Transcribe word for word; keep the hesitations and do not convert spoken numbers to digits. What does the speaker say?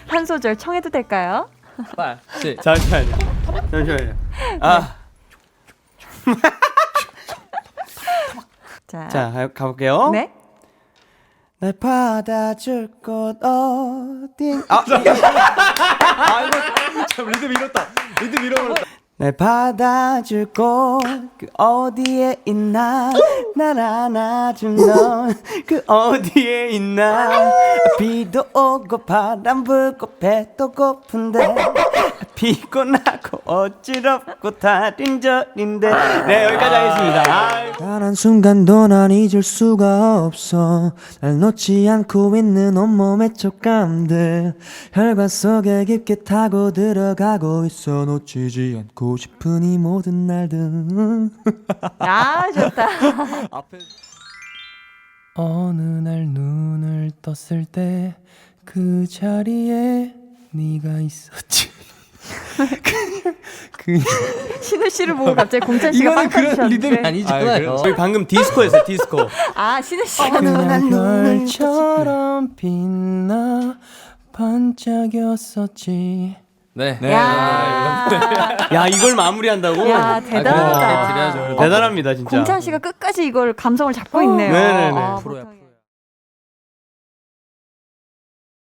한 소절 청해도 될까요? 빨. 잠시만요. 잠시만요. 아. 자, 자, 가- 가볼게요. 네. 날 받아줄 곳 어딘? 아, 아 이거 참 리듬 잃었다. 리듬 잃어버렸다. 날 받아줄 곳 그 어디에 있나? 날 안아준 넌 그 어디에 있나? 비도 오고 바람 불고 배도 고픈데 피곤하고 어지럽고 달인절인데. 네, 여기까지 하겠습니다. 단 한 순간도 난 잊을 수가 없어. 날 놓지 않고 있는 온몸의 촉감들 혈관 속에 깊게 타고 들어가고 있어. 놓치지 않고 싶은 이 모든 날들. 아, 좋다. 어느 날 눈을 떴을 때 그 자리에 네가 있었지. 그 신우 씨를 보고 갑자기 공찬 씨가 이거는 빵 그런 터지셨는데. 리듬이 아니잖아요. 저희 방금 디스코였어요, 디스코. 아, 신우 씨가 그날 별처럼 빛나 반짝였었지. 네. 야, 야, 이걸 마무리한다고? 야, 대단하다. 드려야죠. 대단합니다, 진짜. 공찬 씨가 끝까지 이걸 감성을 잡고 있네요. 네네네. 아, 프로야, 보통이-